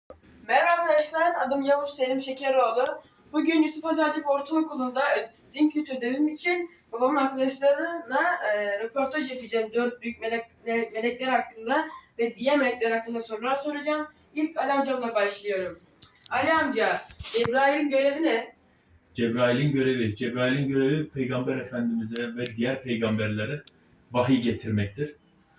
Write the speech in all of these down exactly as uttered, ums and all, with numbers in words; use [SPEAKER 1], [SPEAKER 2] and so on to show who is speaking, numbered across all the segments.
[SPEAKER 1] Merhaba arkadaşlar, adım Yavuz Selim Şekeroğlu. Bugün Yusuf Hacı Acip Ortaokulu'nda din kültürü ödevim için babamın arkadaşlarına e, röportaj yapacağım. Dört büyük melek, me- melekler hakkında ve diğer melekler hakkında sorular soracağım. İlk Ali amcamla başlıyorum. Ali amca, Cebrail'in görevi ne?
[SPEAKER 2] Cebrail'in görevi, Cebrail'in görevi Peygamber Efendimiz'e ve diğer peygamberlere vahiy getirmektir.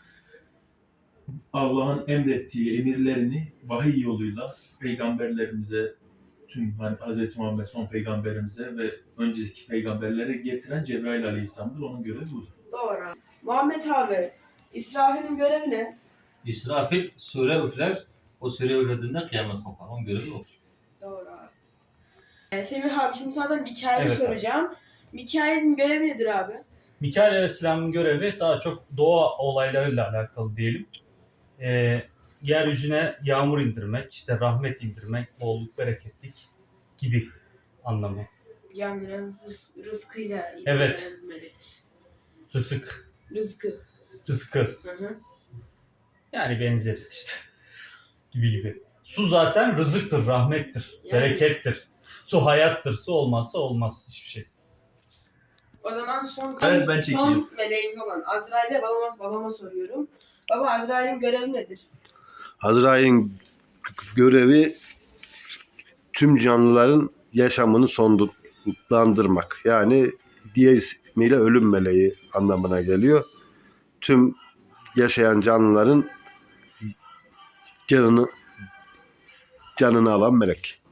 [SPEAKER 2] Allah'ın emrettiği emirlerini vahiy yoluyla peygamberlerimize, tüm hani Hz. Muhammed son peygamberimize ve önceki peygamberlere getiren Cebrail Aleyhisselam'dır. Onun görevi budur.
[SPEAKER 1] Doğru. Muhammed abi, İsrafil'in görevi ne?
[SPEAKER 3] İsrafil sure üfler, o sure üflediğinde kıyamet kopar. Onun görevi olur.
[SPEAKER 1] Doğru abi. E, Semih abi, şimdi sana Mikail'i
[SPEAKER 4] Evet abi.
[SPEAKER 1] soracağım. Mikail'in görevi nedir abi?
[SPEAKER 4] Mikail Aleyhisselam'ın görevi daha çok doğa olaylarıyla alakalı diyelim. Ee, yeryüzüne yağmur indirmek, işte rahmet indirmek, bolluk, bereketlik gibi anlamı.
[SPEAKER 1] Canlıların rız- rızkıyla
[SPEAKER 4] Evet.
[SPEAKER 1] ilgilenilmeli.
[SPEAKER 4] Rızık,
[SPEAKER 1] Rızkı.
[SPEAKER 4] rızkı.
[SPEAKER 1] Hı hı.
[SPEAKER 4] Yani benzeri işte. Gibi gibi. Su zaten rızıktır, rahmettir,
[SPEAKER 1] Yani.
[SPEAKER 4] berekettir. Su hayattır, su olmazsa olmaz hiçbir şey.
[SPEAKER 1] O zaman son
[SPEAKER 2] Evet, ben çekeyim.
[SPEAKER 1] son meleğim olan Azrail'e babama, babama soruyorum. Baba, Azrail'in görevi nedir?
[SPEAKER 5] Azrail'in görevi tüm canlıların yaşamını sonlandırmak. Yani diğer ismiyle ölüm meleği anlamına geliyor. Tüm yaşayan canlıların canını canını alan melek.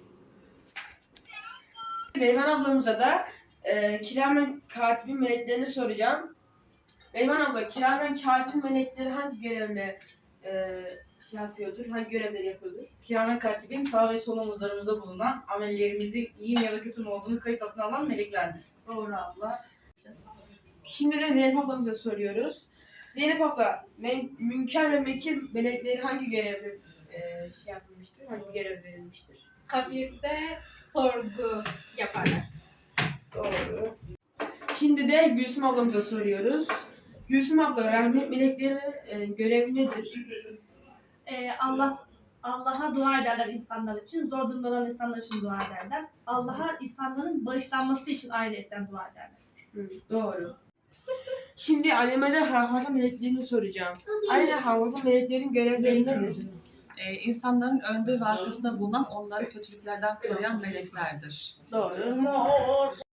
[SPEAKER 1] Beyvan ablamıza da e, Kiramen Katibin meleklerini soracağım. Beyvan abla, Kiramen Katibin melekleri hangi görevle e, şey yapıyordur? Hangi görevleri yapıyordur?
[SPEAKER 6] Kiramen katibin sağ ve sol omuzlarımızda bulunan amellerimizin iyi mi ya da kötü mü olduğunu kayıt altına alan meleklerdir.
[SPEAKER 1] Doğru abla. Şimdi de Zeynep ablamıza soruyoruz. Zeynep abla, men- Münker ve Mekir melekleri hangi görevde e, şey yapılmıştır? Hangi görev verilmiştir?
[SPEAKER 7] Kabirde sorgu yaparlar.
[SPEAKER 1] Doğru. Şimdi de Gülsüm ablamıza soruyoruz. Gülsüm abla, rahmet melekleri e, görevi nedir?
[SPEAKER 7] Ee, Allah Allah'a dua ederler insanlar için. Zor durumda olan insanlar için dua ederler. Allah'a insanların bağışlanması için ayrıyetten dua ederler.
[SPEAKER 1] Hı, doğru. Şimdi anneme de Havva'nın meleklerini soracağım. Anne, Havva'nın meleklerin görevleri nedir?
[SPEAKER 6] Ee, insanların önde ve arkasında bulunan onları kötülüklerden koruyan meleklerdir.
[SPEAKER 1] Doğru.